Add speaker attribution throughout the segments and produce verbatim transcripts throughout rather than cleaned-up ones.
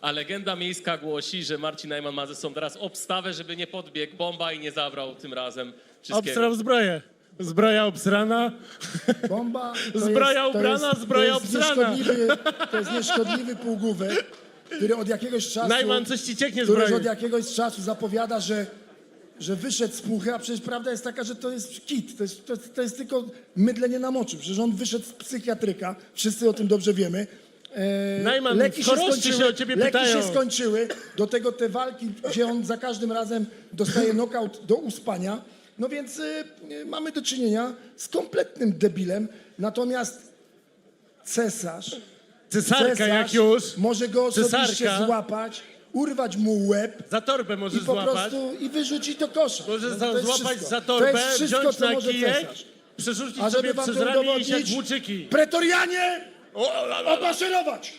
Speaker 1: A legenda miejska głosi, że Marcin Najman ma ze sobą teraz obstawę, żeby nie podbiegł Bomba i nie zabrał tym razem wszystkiego.
Speaker 2: Obstrał zbroję. Zbroja obsrana.
Speaker 3: Bomba to
Speaker 2: Zbroja
Speaker 3: jest, to
Speaker 2: ubrana,
Speaker 3: jest,
Speaker 2: zbroja
Speaker 3: to jest
Speaker 2: obsrana.
Speaker 3: nieszkodliwy, to jest nieszkodliwy półgłówek, który od jakiegoś czasu,
Speaker 2: Najman, coś ci cieknie z
Speaker 3: który
Speaker 2: broni.
Speaker 3: od jakiegoś czasu zapowiada, że, że wyszedł z puchy, a przecież prawda jest taka, że to jest kit, to jest, to, jest, to jest tylko mydlenie na moczu. Przecież on wyszedł z psychiatryka, wszyscy o tym dobrze wiemy. E,
Speaker 2: Najman,
Speaker 3: leki się
Speaker 2: choroszczy
Speaker 3: skończyły,
Speaker 2: się o ciebie
Speaker 3: leki
Speaker 2: pytają.
Speaker 3: się skończyły, do tego te walki, gdzie on za każdym razem dostaje knockout do uspania. No więc y, y, mamy do czynienia z kompletnym debilem, natomiast cesarz,
Speaker 2: Cesarka
Speaker 3: cesarz
Speaker 2: jak już.
Speaker 3: może go osobiście
Speaker 2: Cesarka.
Speaker 3: złapać, urwać mu łeb
Speaker 2: Za torbę
Speaker 3: i
Speaker 2: możesz
Speaker 3: po
Speaker 2: złapać.
Speaker 3: prostu i wyrzucić do kosza.
Speaker 2: Możesz
Speaker 3: No to jest
Speaker 2: złapać
Speaker 3: wszystko.
Speaker 2: za
Speaker 3: To
Speaker 2: torbę,
Speaker 3: jest wszystko,
Speaker 2: wziąć
Speaker 3: co
Speaker 2: na
Speaker 3: może
Speaker 2: kijek,
Speaker 3: cesarz.
Speaker 2: przerzucić
Speaker 3: A żeby
Speaker 2: sobie
Speaker 3: wam
Speaker 2: przez
Speaker 3: to
Speaker 2: ramię i iść jak
Speaker 3: udowodnić,
Speaker 2: włóczyki.
Speaker 3: pretorianie, omaszerować,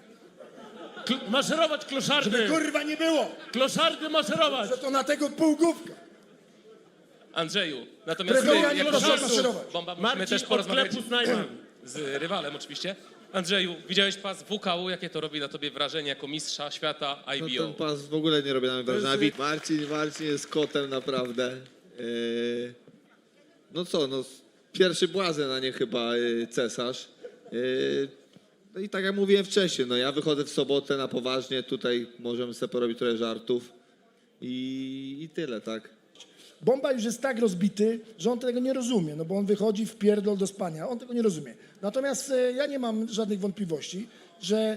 Speaker 2: Kl- maszerować kloszardy.
Speaker 3: żeby kurwa nie było,
Speaker 2: Kloszardy maszerować.
Speaker 3: że to na tego półgłówka.
Speaker 1: Andrzeju, natomiast ty,
Speaker 3: Pretorianie,
Speaker 1: jako
Speaker 3: proszę
Speaker 1: żartu,
Speaker 3: maszerować.
Speaker 1: Bomba, musimy
Speaker 2: Marcin
Speaker 1: też
Speaker 2: od
Speaker 1: porozmawiać
Speaker 2: sklepu z Najman.
Speaker 1: z rywalem oczywiście. Andrzeju, widziałeś pas W K U, jakie to robi na tobie wrażenie jako mistrza świata
Speaker 4: No,
Speaker 1: I B
Speaker 4: ten
Speaker 1: O?
Speaker 4: pas w ogóle nie robi na mnie wrażenia.
Speaker 2: jest-
Speaker 4: Marcin, Marcin jest kotem naprawdę. Yy, no co, no pierwszy błazen, a nie chyba yy, cesarz. Yy, no i tak jak mówiłem wcześniej, no ja wychodzę w sobotę na poważnie, tutaj możemy sobie porobić trochę żartów i, i tyle, tak.
Speaker 3: Bomba już jest tak rozbity, że on tego nie rozumie, no bo on wychodzi w pierdol do spania, on tego nie rozumie. Natomiast e, ja nie mam żadnych wątpliwości, że e,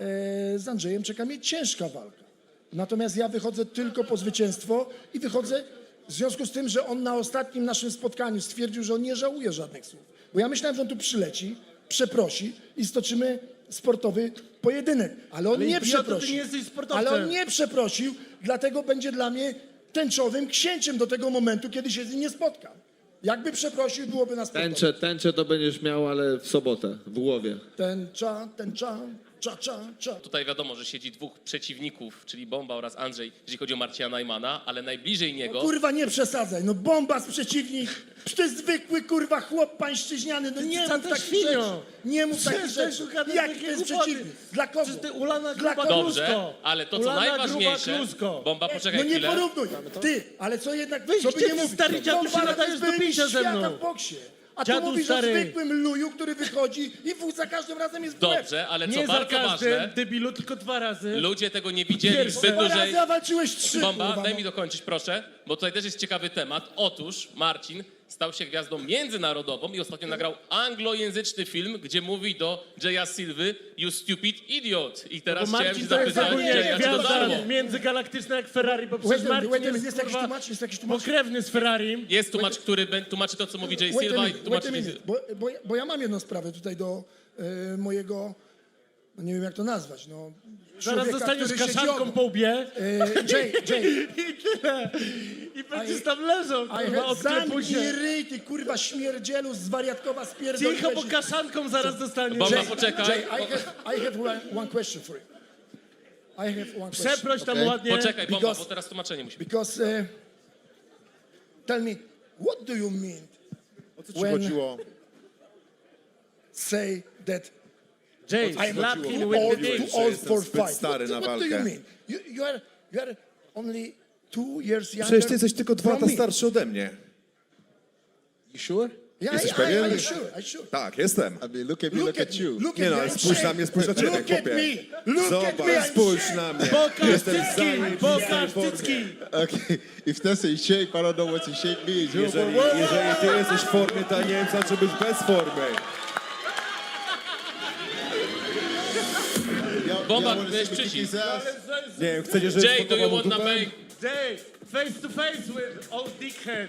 Speaker 3: z Andrzejem czeka mnie ciężka walka. Natomiast ja wychodzę tylko po zwycięstwo i wychodzę w związku z tym, że on na ostatnim naszym spotkaniu stwierdził, że on nie żałuje żadnych słów. Bo ja myślałem, że on tu przyleci, przeprosi i stoczymy sportowy pojedynek. Ale on
Speaker 2: Ale
Speaker 3: nie
Speaker 2: idioto, ty
Speaker 3: przeprosił.
Speaker 2: nie jesteś sportowcem.
Speaker 3: Ale on nie przeprosił, dlatego będzie dla mnie tęczowym księciem do tego momentu, kiedy się z nim nie spotkam. Jakby przeprosił, byłoby na spotkaniu.
Speaker 4: Tęczę, tęczę to będziesz miał, ale w sobotę, w głowie.
Speaker 3: Tęcza, tęcza, cza, cza, cza.
Speaker 1: Tutaj wiadomo, że siedzi dwóch przeciwników, czyli Bomba oraz Andrzej, jeżeli chodzi o Marcina Najmana, ale najbliżej niego...
Speaker 3: Kurwa, nie przesadzaj, no bomba z przeciwnik, to jest zwykły kurwa chłop pańszczyźniany, no nie
Speaker 2: Ty
Speaker 3: mów
Speaker 2: za
Speaker 3: takich
Speaker 2: świnio.
Speaker 3: rzeczy. Nie mów takich
Speaker 2: Przestań
Speaker 3: rzeczy.
Speaker 2: szukać
Speaker 3: Jaki
Speaker 2: takiej
Speaker 3: to jest
Speaker 2: głupoty.
Speaker 3: przeciwnik? Dla kogo?
Speaker 2: Przecież ty ulana
Speaker 3: Dla
Speaker 2: gruba
Speaker 3: kogo?
Speaker 1: Dobrze,
Speaker 2: klusko.
Speaker 1: ale to co
Speaker 2: Ulana
Speaker 1: najważniejsze...
Speaker 2: gruba klusko.
Speaker 1: Bomba, poczekaj
Speaker 3: No nie
Speaker 1: chwilę.
Speaker 3: porównuj. Ty, ale co jednak,
Speaker 2: Weź,
Speaker 3: co by
Speaker 2: gdzie
Speaker 3: nie
Speaker 2: ty,
Speaker 3: mówić.
Speaker 2: stary dziadu,
Speaker 3: Bomba
Speaker 2: się
Speaker 3: to
Speaker 2: nadajesz
Speaker 3: jest
Speaker 2: do
Speaker 3: były
Speaker 2: picia ze
Speaker 3: świata
Speaker 2: mną.
Speaker 3: w boksie. A
Speaker 2: Dziadu
Speaker 3: tu mówisz
Speaker 2: stary.
Speaker 3: o zwykłym luju, który wychodzi i w- za każdym razem jest w łeb.
Speaker 1: Dobrze, ale co
Speaker 2: Nie za
Speaker 1: bardzo
Speaker 2: każdym,
Speaker 1: ważne,
Speaker 2: debilu, tylko dwa razy.
Speaker 1: ludzie tego nie widzieli
Speaker 2: Pierwsze.
Speaker 1: zbyt
Speaker 3: Dwa
Speaker 1: dużej...
Speaker 3: razy, a walczyłeś trzy,
Speaker 1: Bomba,
Speaker 3: kurwa,
Speaker 1: daj
Speaker 3: no.
Speaker 1: mi dokończyć proszę, bo tutaj też jest ciekawy temat. Otóż Marcin stał się gwiazdą międzynarodową i ostatnio nagrał anglojęzyczny film, gdzie mówi do Jaya Silvy "You stupid idiot". I teraz
Speaker 2: Bo
Speaker 1: chciałem się
Speaker 2: Marcin to jest
Speaker 1: zapytać,
Speaker 2: ogólnie
Speaker 1: Jaya, czy to
Speaker 2: gwiazda
Speaker 1: darmo?
Speaker 2: międzygalaktyczna jak Ferrari, bo
Speaker 3: Wait
Speaker 2: przecież
Speaker 3: a minute,
Speaker 2: Marcin
Speaker 3: wait a minute,
Speaker 2: jest,
Speaker 3: jest jakiś
Speaker 2: kurwa,
Speaker 3: tłumacz, jest jakiś tłumacz?
Speaker 2: pokrewny z Ferrari.
Speaker 1: Jest tłumacz, który bę- tłumaczy to, co mówi Jay
Speaker 3: Wait a
Speaker 1: Silva i
Speaker 3: minute, wait
Speaker 1: tłumaczy...
Speaker 3: a minute, bo, bo, ja- bo ja mam jedną sprawę tutaj do e, mojego, no nie wiem jak to nazwać, no...
Speaker 2: Zaraz
Speaker 3: człowieka,
Speaker 2: dostaniesz
Speaker 3: który siedzi
Speaker 2: kaszanką
Speaker 3: obok.
Speaker 2: po łbie
Speaker 3: E, Jay, Jay,
Speaker 2: i tyle. I będziesz
Speaker 3: I-
Speaker 2: tam leżał,
Speaker 3: I
Speaker 2: kurwa,
Speaker 3: had
Speaker 2: odklepuj
Speaker 3: zamknij
Speaker 2: się.
Speaker 3: ryj, ty kurwa śmierdzielu, zwariatkowa spierdoliłeś.
Speaker 2: Cicho, bo kaszanką zaraz dostaniesz.
Speaker 1: Bomba,
Speaker 3: Jay,
Speaker 1: poczekaj.
Speaker 3: Jay, I have, I have one, one question for you. I have one question.
Speaker 2: Przeproś tam
Speaker 3: okay?
Speaker 2: ładnie.
Speaker 1: Poczekaj, Bomba,
Speaker 3: Because-
Speaker 1: bo teraz tłumaczenie musi być.
Speaker 3: Because, uh, tell me, what do you mean
Speaker 5: O co ci
Speaker 3: When-
Speaker 5: chodziło?
Speaker 3: say that
Speaker 2: Jay,
Speaker 3: I'm
Speaker 2: slap
Speaker 3: too
Speaker 2: him with
Speaker 3: old,
Speaker 2: the dick.
Speaker 3: too old
Speaker 5: jestem
Speaker 3: for
Speaker 5: zbyt
Speaker 3: fight?
Speaker 5: stary
Speaker 3: what,
Speaker 5: na
Speaker 3: what do you
Speaker 5: walkę.
Speaker 3: mean? You, you, are, you are only two years younger
Speaker 5: Przecież ty jesteś tylko dwa
Speaker 3: from
Speaker 5: lata
Speaker 3: me.
Speaker 5: starszy ode mnie. You sure?
Speaker 3: Yeah,
Speaker 5: Jesteś
Speaker 3: I, I,
Speaker 5: pewien?
Speaker 3: I'm sure, I'm sure.
Speaker 5: Tak, jestem.
Speaker 6: I mean, look at me, look, at you.
Speaker 3: Look
Speaker 5: Nie
Speaker 3: at
Speaker 5: no,
Speaker 3: me,
Speaker 5: ale
Speaker 3: I'm
Speaker 5: spójrz na
Speaker 3: ashamed.
Speaker 5: mnie, spójrz na ciebie,
Speaker 3: Look at
Speaker 5: chłopie.
Speaker 3: me, look at me,
Speaker 5: Zobacz,
Speaker 3: I'm
Speaker 5: spójrz
Speaker 3: ashamed.
Speaker 5: na mnie.
Speaker 2: Pokaż
Speaker 5: Jestem
Speaker 2: cycki,
Speaker 5: zajebistej
Speaker 2: pokaż
Speaker 5: formie.
Speaker 2: cycki.
Speaker 6: Okay, if that's a shape, I don't know what a shape means. You
Speaker 5: Jeżeli, jeżeli ty jesteś w formie, to ja nie wiem, co znaczy być bez formy.
Speaker 6: y'all,
Speaker 1: Bomba,
Speaker 6: y'all wanna
Speaker 1: miałeś
Speaker 6: see me kick
Speaker 1: przycisk.
Speaker 6: his ass?
Speaker 5: Nie wiem, chcecie, żeby
Speaker 1: Jay, do you
Speaker 5: spokował mu
Speaker 1: wanna
Speaker 5: dupę?
Speaker 1: make...
Speaker 2: Jay, face to face with old dickhead.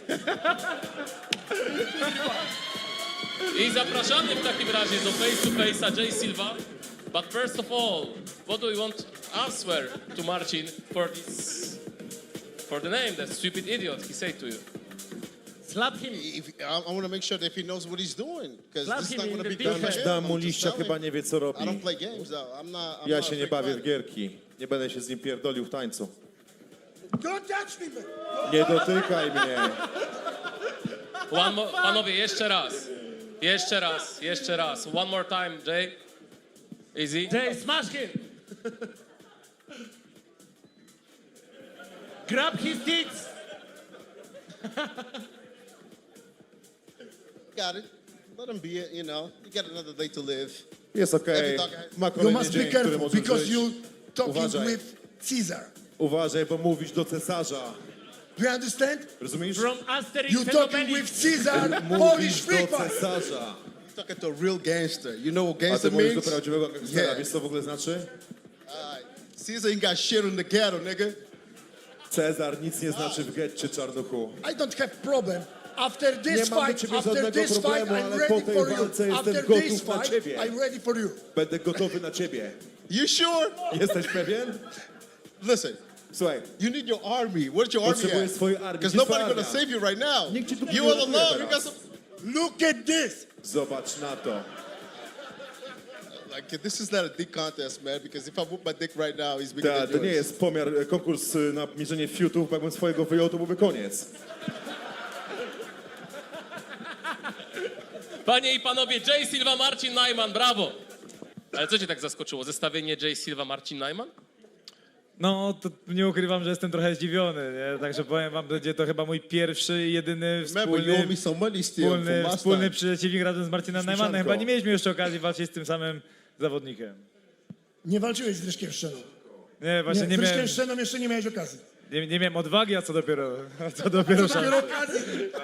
Speaker 1: I zapraszamy w takim razie do face to face'a Jay Silva. But first of all, what do you want to answer to Marcin for this, for the name, that stupid idiot he said to you?
Speaker 2: Slap him.
Speaker 6: If, I, I want to make sure that he knows what he's doing, because
Speaker 2: Slap
Speaker 6: this is
Speaker 2: him
Speaker 6: not
Speaker 2: in
Speaker 6: going to
Speaker 2: the
Speaker 6: be
Speaker 2: dick.
Speaker 6: done by him.
Speaker 5: Dam mu
Speaker 6: I'm just
Speaker 5: liścia,
Speaker 6: telling
Speaker 5: chyba
Speaker 6: you.
Speaker 5: nie wie, co
Speaker 6: I
Speaker 5: robi.
Speaker 6: don't play games, though. I'm not. I'm
Speaker 5: Ja
Speaker 6: not
Speaker 5: się
Speaker 6: a
Speaker 5: nie
Speaker 6: fake
Speaker 5: bawię w
Speaker 6: fighter.
Speaker 5: gierki. Nie będę się z nim pierdolił w tańcu.
Speaker 3: Don't touch me, man.
Speaker 5: Nie dotykaj mnie.
Speaker 1: One mo- panowie, jeszcze raz. Jeszcze raz, jeszcze raz. One more time, Jay. Easy.
Speaker 2: Jay, smash him. Grab his tits.
Speaker 6: Got it. Let him be it, you know. You got another day to live.
Speaker 5: Jest okej. Ma
Speaker 3: You
Speaker 5: kolejny
Speaker 3: must be
Speaker 5: dzień, który
Speaker 3: careful
Speaker 5: może
Speaker 3: because
Speaker 5: żyć.
Speaker 3: you talking
Speaker 5: Uważaj.
Speaker 3: with Caesar.
Speaker 5: Uważaj, bo mówisz do cesarza.
Speaker 3: Do you understand?
Speaker 5: Rozumiesz?
Speaker 2: From Asterix
Speaker 3: You
Speaker 2: and
Speaker 3: talking
Speaker 2: Obelix.
Speaker 3: with Caesar, Polish
Speaker 5: Mówisz
Speaker 3: free
Speaker 5: do
Speaker 3: fight.
Speaker 5: cesarza.
Speaker 6: Talking to a real gangster. You know what
Speaker 5: A ty
Speaker 6: gangster
Speaker 5: mówisz do
Speaker 6: means?
Speaker 5: prawdziwego gangstera.
Speaker 6: Yeah.
Speaker 5: Wiesz co w ogóle znaczy?
Speaker 6: Alright. Caesar ain't got shit on the ghetto, nigga.
Speaker 5: Cezar nic nie znaczy w getcie, czarnuchu.
Speaker 3: I don't have problem. After
Speaker 5: Nie
Speaker 3: this
Speaker 5: mam do
Speaker 3: fight,
Speaker 5: ciebie
Speaker 3: after
Speaker 5: żadnego
Speaker 3: this fight,
Speaker 5: problemu,
Speaker 3: I'm
Speaker 5: ale po
Speaker 3: ready
Speaker 5: tej
Speaker 3: for you.
Speaker 5: walce jestem
Speaker 3: After
Speaker 5: gotów
Speaker 3: this
Speaker 5: na
Speaker 3: fight,
Speaker 5: ciebie.
Speaker 3: I'm ready for you.
Speaker 5: Będę gotowy na ciebie.
Speaker 6: You sure?
Speaker 5: Jesteś pewien?
Speaker 6: Listen,
Speaker 5: Słuchaj,
Speaker 6: you need your army. Where's your army
Speaker 5: potrzebujesz
Speaker 6: at?
Speaker 5: swojej armii.
Speaker 6: Because
Speaker 5: Gdzie
Speaker 6: nobody's
Speaker 5: twoja
Speaker 6: gonna
Speaker 5: armia?
Speaker 6: save you right now.
Speaker 5: Nikt ci tu nie
Speaker 6: You all
Speaker 5: uratuje
Speaker 6: alone. You
Speaker 5: teraz.
Speaker 6: got some.
Speaker 3: Look at this.
Speaker 5: Zobacz na to.
Speaker 6: Like, this is not a dick contest, man. Because if I whoop my dick right now, he's bigger
Speaker 5: Ta,
Speaker 6: than
Speaker 5: to nie
Speaker 6: yours.
Speaker 5: jest pomiar, e, konkurs e, na mierzenie fiutów, bo jakbym swojego wyjął, to byłby koniec.
Speaker 1: Panie i panowie, Jay Silva, Marcin Najman, brawo! Ale co cię tak zaskoczyło? Zestawienie Jay Silva, Marcin Najman?
Speaker 7: No, to nie ukrywam, że jestem trochę zdziwiony, nie? Także powiem wam, będzie to chyba mój pierwszy i jedyny
Speaker 6: Remember, you owe
Speaker 7: wspólny,
Speaker 6: me some money still
Speaker 7: wspólny,
Speaker 6: from last
Speaker 7: wspólny
Speaker 6: time.
Speaker 7: przeciwnik razem z Marcinem
Speaker 5: Śmieszanko.
Speaker 7: Najmanem. Chyba nie mieliśmy jeszcze okazji walczyć z tym samym zawodnikiem.
Speaker 3: Nie walczyłeś z Ryszkiem Szczeną.
Speaker 7: Nie, właśnie
Speaker 3: Nie,
Speaker 7: nie,
Speaker 3: z Ryszkiem
Speaker 7: miałem,
Speaker 3: Szczeną jeszcze nie miałeś okazji.
Speaker 7: nie, nie miałem odwagi, a co dopiero, a co dopiero szans.
Speaker 3: Dopiero okazji.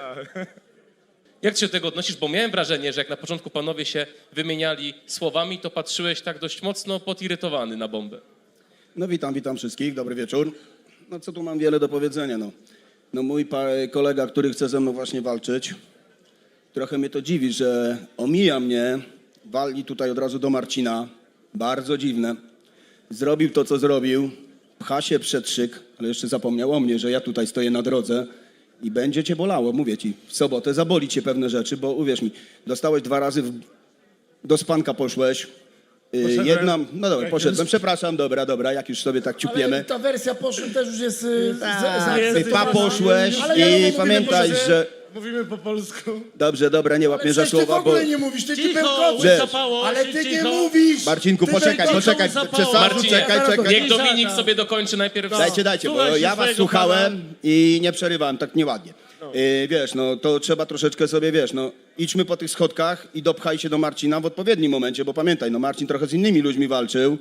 Speaker 1: Jak ty się do tego odnosisz? Bo miałem wrażenie, że jak na początku panowie się wymieniali słowami, to patrzyłeś tak dość mocno podirytowany na bombę.
Speaker 8: No witam, witam wszystkich, dobry wieczór. No co tu mam wiele do powiedzenia, no. No mój pa- kolega, który chce ze mną właśnie walczyć, trochę mnie to dziwi, że omija mnie, wali tutaj od razu do Marcina, bardzo dziwne. Zrobił to, co zrobił, pcha się przed szyk, ale jeszcze zapomniał o mnie, że ja tutaj stoję na drodze i będzie cię bolało, mówię ci, w sobotę zaboli cię pewne rzeczy, bo uwierz mi, dostałeś dwa razy, w... do spanka poszłeś, Yy,
Speaker 2: Poszedłem.
Speaker 8: Jedna, no dobra,
Speaker 2: Jak
Speaker 8: poszedłem,
Speaker 2: już-
Speaker 8: przepraszam, dobra, dobra, jak już sobie tak
Speaker 3: Ale
Speaker 8: ciupiemy.
Speaker 3: ta wersja poszła też już jest y, za, za,
Speaker 2: jest-
Speaker 8: Ty pa poszłeś
Speaker 3: Ale ja
Speaker 8: i
Speaker 3: mówię,
Speaker 8: pamiętaj,
Speaker 3: że-
Speaker 8: że...
Speaker 2: Mówimy po polsku.
Speaker 8: Dobrze, dobra, nie łap mnie za
Speaker 3: Przecież ty w
Speaker 8: słowa, bo...
Speaker 3: ogóle nie mówisz, ty, ty
Speaker 2: Cicho,
Speaker 3: bełkoczysz.
Speaker 8: Wiesz,
Speaker 2: łysapało
Speaker 3: Ale
Speaker 2: się,
Speaker 3: ty nie
Speaker 2: cicho.
Speaker 3: mówisz.
Speaker 8: Marcinku,
Speaker 3: Ty
Speaker 8: poczekaj,
Speaker 3: bełkoczysz.
Speaker 8: poczekaj,
Speaker 2: zapało.
Speaker 8: cesarzu,
Speaker 1: Marcinie,
Speaker 8: czekaj, czekaj.
Speaker 1: Niech Dominik sobie dokończy najpierw.
Speaker 8: Dajcie, dajcie, bo
Speaker 2: Słuchaj się
Speaker 8: ja was
Speaker 2: swojego
Speaker 8: słuchałem
Speaker 2: pana.
Speaker 8: i nie przerywałem tak nieładnie. Yy, wiesz, no to trzeba troszeczkę sobie, wiesz, no idźmy po tych schodkach i dopchaj się do Marcina w odpowiednim momencie, bo pamiętaj, no Marcin trochę z innymi ludźmi walczył,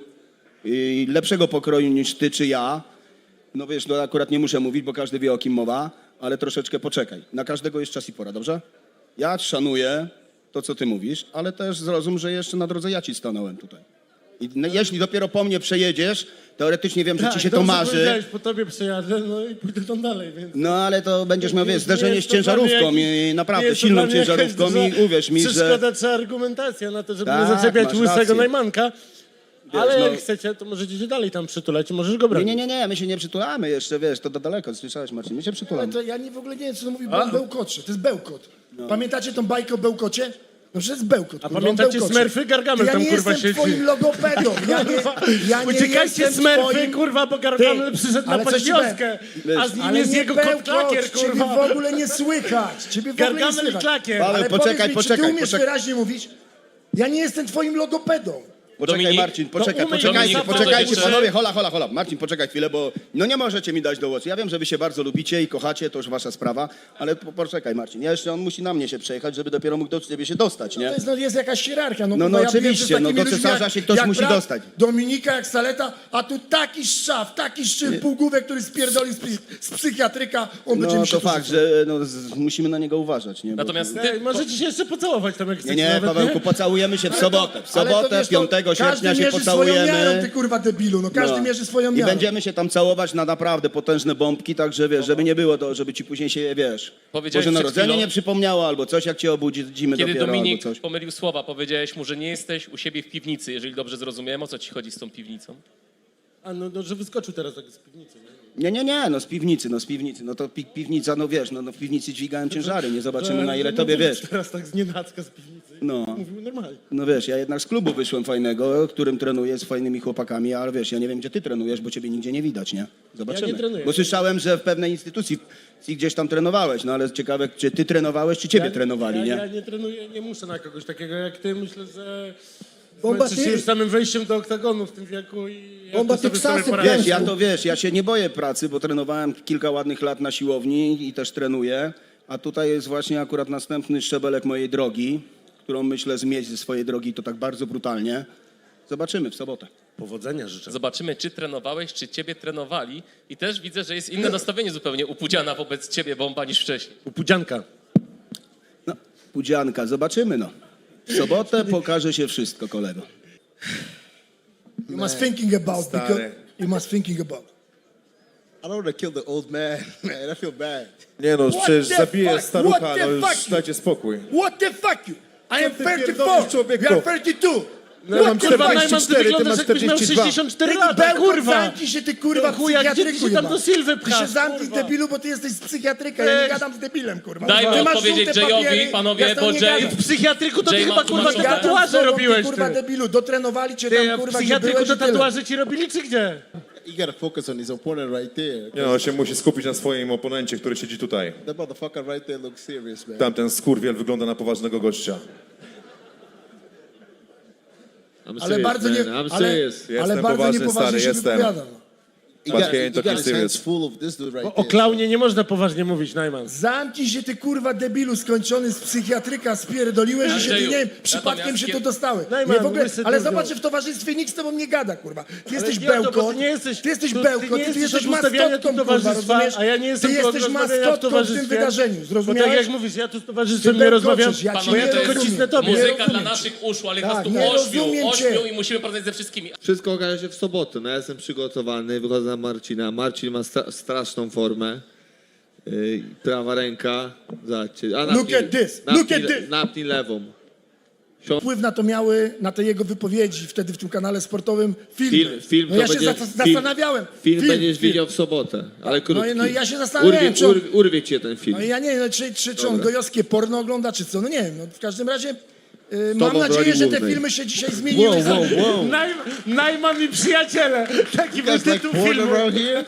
Speaker 8: i lepszego pokroju niż ty czy ja. No wiesz, no akurat nie muszę mówić, bo każdy wie, o kim mowa, ale troszeczkę poczekaj. Na każdego jest czas i pora, dobrze? Ja szanuję to, co ty mówisz, ale też zrozum, że jeszcze na drodze ja ci stanąłem tutaj. I no, jeśli dopiero po mnie przejedziesz, teoretycznie wiem, że ci się to
Speaker 2: dobrze
Speaker 8: marzy,
Speaker 2: powiedziałeś, po tobie przejadę, no i pójdę tam dalej, więc...
Speaker 8: no ale to będziesz miał, wiesz,
Speaker 2: Nie
Speaker 8: zderzenie
Speaker 2: jest
Speaker 8: z
Speaker 2: to dla mnie
Speaker 8: ciężarówką
Speaker 2: jakiś-
Speaker 8: i
Speaker 2: nie
Speaker 8: naprawdę
Speaker 2: jest to
Speaker 8: silną
Speaker 2: dla mnie jakaś
Speaker 8: ciężarówką i
Speaker 2: duża
Speaker 8: uwierz mi, że...
Speaker 2: Przeszkoda czy argumentacja na to, żeby
Speaker 8: Tak,
Speaker 2: nie zaczepiać
Speaker 8: masz
Speaker 2: łysego
Speaker 8: rację.
Speaker 2: Najmanka. Ale
Speaker 8: no-
Speaker 2: jak chcecie, to możecie się dalej tam przytulać i możesz go
Speaker 8: Nie,
Speaker 2: brać.
Speaker 8: nie, nie, nie, my się nie przytulamy jeszcze, wiesz, to do daleko, słyszałeś Marcin, my się
Speaker 3: Ale
Speaker 8: przytulamy.
Speaker 3: to ja nie, w ogóle nie wiem, co to mówi, bo on bełkocze. To jest bełkot. Pamiętacie tą bajkę o bełkocie? No że jest bełkot.
Speaker 2: A
Speaker 3: kurwa,
Speaker 2: pamiętacie
Speaker 3: on bełkocze.
Speaker 2: Smurfy? Gargamel
Speaker 3: ja
Speaker 2: tam,
Speaker 3: nie
Speaker 2: kurwa,
Speaker 3: jestem
Speaker 2: siedzi.
Speaker 3: twoim logopedą. Ja nie, ja nie
Speaker 2: Uciekajcie
Speaker 3: jestem
Speaker 2: Smurfy,
Speaker 3: twoim...
Speaker 2: kurwa, bo Gargamel
Speaker 3: Ty,
Speaker 2: przyszedł na
Speaker 3: ale coś ci
Speaker 2: podwioskę, a z nim
Speaker 3: Ale
Speaker 2: jest
Speaker 3: nie
Speaker 2: jego kot
Speaker 3: bełkocz,
Speaker 2: klakier,
Speaker 3: ciebie
Speaker 2: kurwa.
Speaker 3: w ogóle nie słychać. Ciebie w ogóle nie
Speaker 2: Gargamel i
Speaker 3: słychać.
Speaker 2: klakier.
Speaker 8: Paweł,
Speaker 3: Ale
Speaker 8: poczekaj,
Speaker 3: powiedz mi, czy
Speaker 8: poczekaj,
Speaker 3: ty umiesz
Speaker 8: poczekaj.
Speaker 3: wyraźnie mówić? Ja nie jestem twoim logopedą.
Speaker 8: Poczekaj
Speaker 1: Dominik?
Speaker 8: Marcin, poczekaj,
Speaker 2: No, umyj
Speaker 8: poczekajcie,
Speaker 2: Dominik,
Speaker 8: poczekajcie,
Speaker 1: jeszcze-
Speaker 8: panowie, hola, hola, hola. Marcin, poczekaj chwilę, bo no nie możecie mi dać do głosu. Ja wiem, że wy się bardzo lubicie i kochacie, to już wasza sprawa, ale po, poczekaj Marcin, ja jeszcze on musi na mnie się przejechać, żeby dopiero mógł do ciebie się dostać, nie?
Speaker 3: To jest, no, jest jakaś hierarchia. No,
Speaker 8: No,
Speaker 3: kurwa,
Speaker 8: no
Speaker 3: ja wiem, że z
Speaker 8: oczywiście, no,
Speaker 3: takimi
Speaker 8: do
Speaker 3: ludźmi
Speaker 8: cesarza
Speaker 3: jak-
Speaker 8: się ktoś
Speaker 3: jak
Speaker 8: musi
Speaker 3: brat
Speaker 8: dostać.
Speaker 3: Dominika jak Saleta, a tu taki szczaw, taki szczyt półgłówek, który spierdoli z, psy- z psychiatryka, on będzie
Speaker 8: No
Speaker 3: mi się
Speaker 8: to
Speaker 3: tu
Speaker 8: fakt,
Speaker 3: rzucał.
Speaker 8: że no, z, musimy na niego uważać, nie? Bo-
Speaker 1: Natomiast
Speaker 2: Ej,
Speaker 1: ty,
Speaker 2: możecie się jeszcze pocałować tam, jak
Speaker 8: Nie,
Speaker 2: chcecie
Speaker 8: nie,
Speaker 2: nawet,
Speaker 8: Pawełku, pocałujemy się w sobotę. W
Speaker 3: Ale to
Speaker 8: sobotę,
Speaker 3: wiesz, to
Speaker 8: piątego sierpnia
Speaker 3: każdy
Speaker 8: się
Speaker 3: mierzy swoją miarą,
Speaker 8: pocałujemy.
Speaker 3: ty kurwa debilu, no każdy
Speaker 8: No.
Speaker 3: mierzy swoją
Speaker 8: I
Speaker 3: miarą.
Speaker 8: będziemy się tam całować na naprawdę potężne bombki, także wiesz, żeby nie było to, żeby ci później się, wiesz,
Speaker 1: Powiedziałeś
Speaker 8: Boże
Speaker 1: przed
Speaker 8: Narodzenie
Speaker 1: chwilą-
Speaker 8: nie przypomniało, albo coś, jak cię obudzimy
Speaker 1: kiedy
Speaker 8: dopiero,
Speaker 1: Dominik
Speaker 8: albo coś.
Speaker 1: pomylił słowa, powiedziałeś mu, że nie jesteś u siebie w piwnicy, jeżeli dobrze zrozumiałem, o co ci chodzi z tą piwnicą?
Speaker 2: A no, no, że wyskoczył teraz tak z piwnicy, nie?
Speaker 8: Nie, nie, nie, no z piwnicy, no z piwnicy, no to pi piwnica, no wiesz, no, no w piwnicy dźwigałem ciężary, nie zobaczymy
Speaker 2: Że-
Speaker 8: na ile
Speaker 2: że
Speaker 8: tobie,
Speaker 2: mówił
Speaker 8: wiesz.
Speaker 2: Teraz tak z nienacka z piwnicy.
Speaker 8: No.
Speaker 2: Mówił normalnie.
Speaker 8: No wiesz, ja jednak z klubu wyszłem fajnego, którym trenuję z fajnymi chłopakami, ale wiesz, ja nie wiem, gdzie ty trenujesz, bo ciebie nigdzie nie widać, nie? Zobaczymy.
Speaker 2: Ja nie trenuję.
Speaker 8: Bo słyszałem, że w pewnej instytucji gdzieś tam trenowałeś, no ale ciekawe, czy ty trenowałeś, czy ciebie
Speaker 2: ja,
Speaker 8: trenowali,
Speaker 2: ja,
Speaker 8: nie?
Speaker 2: Ja nie trenuję, nie muszę na kogoś takiego jak ty. Myślę, że
Speaker 3: Bomba,
Speaker 2: zmęczysz się
Speaker 3: ty-
Speaker 2: już samym wejściem do oktagonu w tym wieku i On ma Teksasy,
Speaker 8: Wiesz, ja to wiesz, ja się nie boję pracy, bo trenowałem kilka ładnych lat na siłowni i też trenuję, a tutaj jest właśnie akurat następny szczebelek mojej drogi, którą myślę zmieść ze swojej drogi to tak bardzo brutalnie. Zobaczymy w sobotę.
Speaker 2: Powodzenia życzę.
Speaker 1: Zobaczymy, czy trenowałeś, czy ciebie trenowali. I też widzę, że jest inne nastawienie zupełnie u Pudziana wobec ciebie, Bomba, niż wcześniej.
Speaker 2: U Pudzianka.
Speaker 8: No, pudzianka, zobaczymy no. W sobotę pokaże się wszystko, kolego.
Speaker 3: You must thinking about,
Speaker 5: Stary.
Speaker 3: because you must thinking about.
Speaker 6: I don't want to kill the old man, man. I feel bad.
Speaker 5: Nie no,
Speaker 3: What
Speaker 5: przecież
Speaker 3: the
Speaker 5: zabije
Speaker 3: fuck?
Speaker 5: starucha,
Speaker 3: What the
Speaker 5: no już
Speaker 3: fuck?
Speaker 5: dajcie spokój.
Speaker 3: What the fuck you? I am
Speaker 5: ty
Speaker 3: thirty-four,
Speaker 5: pierdolisz, człowieku?
Speaker 3: you are thirty-two.
Speaker 5: No, ja mam
Speaker 3: What the
Speaker 2: Kurwa,
Speaker 3: fuck?
Speaker 2: Najman, ty
Speaker 5: cztery, ty
Speaker 2: wyglądasz
Speaker 5: masz
Speaker 2: jakbyś miał
Speaker 5: czterdzieści dwa.
Speaker 2: sześćdziesiąt cztery
Speaker 3: Ty
Speaker 2: lata,
Speaker 3: bełkot,
Speaker 2: kurwa.
Speaker 3: zamknij się, ty kurwa,
Speaker 2: No chuja, gdzie ty
Speaker 3: psychiatryku
Speaker 2: się tam
Speaker 3: jebany.
Speaker 2: do Sylwy
Speaker 3: Ty
Speaker 2: pchasz,
Speaker 3: się zamknij,
Speaker 2: kurwa.
Speaker 3: debilu, bo ty jesteś z psychiatryka, ja nie
Speaker 2: Ej.
Speaker 3: gadam z debilem, kurwa.
Speaker 1: Dajmy
Speaker 3: Ty masz
Speaker 1: odpowiedzieć
Speaker 3: żółte
Speaker 1: Jayowi,
Speaker 3: papiery,
Speaker 1: panowie,
Speaker 3: ja z tobą
Speaker 1: bo
Speaker 3: nie
Speaker 1: Jay-
Speaker 3: gadam.
Speaker 2: W psychiatryku to ty
Speaker 1: Jay
Speaker 2: chyba
Speaker 1: ma
Speaker 2: kurwa
Speaker 1: tłumaczone.
Speaker 2: te tatuaże
Speaker 3: z tobą,
Speaker 2: robiłeś,
Speaker 3: ty, kurwa,
Speaker 2: ty.
Speaker 3: debilu, dotrenowali cię
Speaker 2: Ty,
Speaker 3: tam,
Speaker 2: a w
Speaker 3: kurwa, gdzie
Speaker 2: psychiatryku
Speaker 3: byłeś
Speaker 2: to
Speaker 3: i tyle.
Speaker 2: tatuaże ci robili, czy gdzie?
Speaker 6: You gotta focus on his opponent right there.
Speaker 5: Nie no, się musi skupić na swoim oponencie, który siedzi tutaj.
Speaker 6: That motherfucker right there looks serious, man.
Speaker 5: Tamten skurwiel wygląda na poważnego gościa.
Speaker 4: I'm
Speaker 3: Ale
Speaker 4: serious,
Speaker 3: bardzo nie,
Speaker 4: man. I'm
Speaker 3: ale,
Speaker 4: serious.
Speaker 3: ale
Speaker 5: Jestem
Speaker 3: bardzo
Speaker 5: poważny,
Speaker 3: niepoważnie
Speaker 5: stary,
Speaker 3: się
Speaker 5: jestem.
Speaker 3: wypowiada. no.
Speaker 6: He
Speaker 5: But
Speaker 6: got,
Speaker 5: he
Speaker 6: he
Speaker 5: ain't
Speaker 6: got
Speaker 5: talking
Speaker 6: his
Speaker 5: serious.
Speaker 6: hands full of this dude right
Speaker 2: O
Speaker 6: there.
Speaker 2: klaunie nie można poważnie mówić, Najman.
Speaker 3: Zamknij się, ty kurwa debilu skończony z psychiatryka, spierdoliłeś i się, ty,
Speaker 1: Andrzeju,
Speaker 3: nie wiem, przypadkiem
Speaker 1: natomiast
Speaker 3: się
Speaker 1: kie-
Speaker 3: tu dostały.
Speaker 2: Najman,
Speaker 3: Nie, w ogóle,
Speaker 2: łysy
Speaker 3: ale
Speaker 2: długo.
Speaker 3: zobacz, że w towarzystwie nikt z tobą nie gada, kurwa. Ty jesteś
Speaker 2: nie o to, bo
Speaker 3: bełkot,
Speaker 2: ty nie jesteś-
Speaker 3: ty jesteś
Speaker 2: to ty
Speaker 3: bełkot,
Speaker 2: nie
Speaker 3: ty, ty
Speaker 2: jesteś
Speaker 3: jesteś
Speaker 2: od ustawiania
Speaker 3: maskotką,
Speaker 2: tu
Speaker 3: kurwa,
Speaker 2: towarzystwa,
Speaker 3: rozumiesz?
Speaker 2: a ja nie jestem
Speaker 3: Ty
Speaker 2: tu od
Speaker 3: jesteś
Speaker 2: rozmawiania w
Speaker 3: maskotką w tym
Speaker 2: towarzystwie.
Speaker 3: wydarzeniu,
Speaker 2: Bo tak
Speaker 3: zrozumiałeś?
Speaker 2: jak mówisz, ja tu z
Speaker 3: Ty
Speaker 2: towarzystwem nie
Speaker 3: bełkoczysz,
Speaker 2: rozmawiam,
Speaker 3: ja cię
Speaker 2: bo ja
Speaker 3: nie
Speaker 2: tylko
Speaker 3: rozumiem.
Speaker 2: cisnę tobie.
Speaker 3: Nie
Speaker 1: Muzyka dla
Speaker 3: rozumiem
Speaker 1: naszych uszu, ale
Speaker 3: Tak,
Speaker 1: nas tu
Speaker 3: nie
Speaker 1: ośmiu,
Speaker 3: rozumiem
Speaker 1: ośmiu
Speaker 3: cię.
Speaker 1: i musimy porozmawiać ze wszystkimi.
Speaker 4: Wszystko okaże się w sobotę. No ja jestem przygotowany, wychodzę na Marcina. Marcin ma stra- straszną formę. Yy, prawa ręka. Zobaczcie. A
Speaker 3: Look
Speaker 4: napnij-
Speaker 3: at this,
Speaker 4: napnij
Speaker 3: look at
Speaker 4: le-
Speaker 3: this.
Speaker 4: Napnij lewą.
Speaker 3: Wpływ na to miały, na te jego wypowiedzi wtedy w tym kanale sportowym filmy.
Speaker 4: Film, film
Speaker 3: no
Speaker 4: to
Speaker 3: ja się
Speaker 4: będzie,
Speaker 3: zas-
Speaker 4: film,
Speaker 3: zastanawiałem.
Speaker 4: Film, będziesz
Speaker 3: film.
Speaker 4: widział w sobotę, ale krótki.
Speaker 3: no i ja się zastanawiałem,
Speaker 4: urwie,
Speaker 3: czy on-
Speaker 4: urwie, urwie cię ten film.
Speaker 3: No i ja nie wiem, czy, czy, czy on
Speaker 4: Dobra.
Speaker 3: gojowskie porno ogląda, czy co, no nie wiem. No, w każdym razie yy, mam
Speaker 4: tobą w
Speaker 3: nadzieję,
Speaker 4: roli
Speaker 3: że te
Speaker 4: głównej.
Speaker 3: filmy się dzisiaj zmieniły.
Speaker 6: Whoa, whoa, whoa.
Speaker 2: Najman, Najman i przyjaciele. Taki
Speaker 6: You
Speaker 2: był
Speaker 6: guys like
Speaker 2: tytuł
Speaker 6: porn
Speaker 2: filmu.
Speaker 6: around here?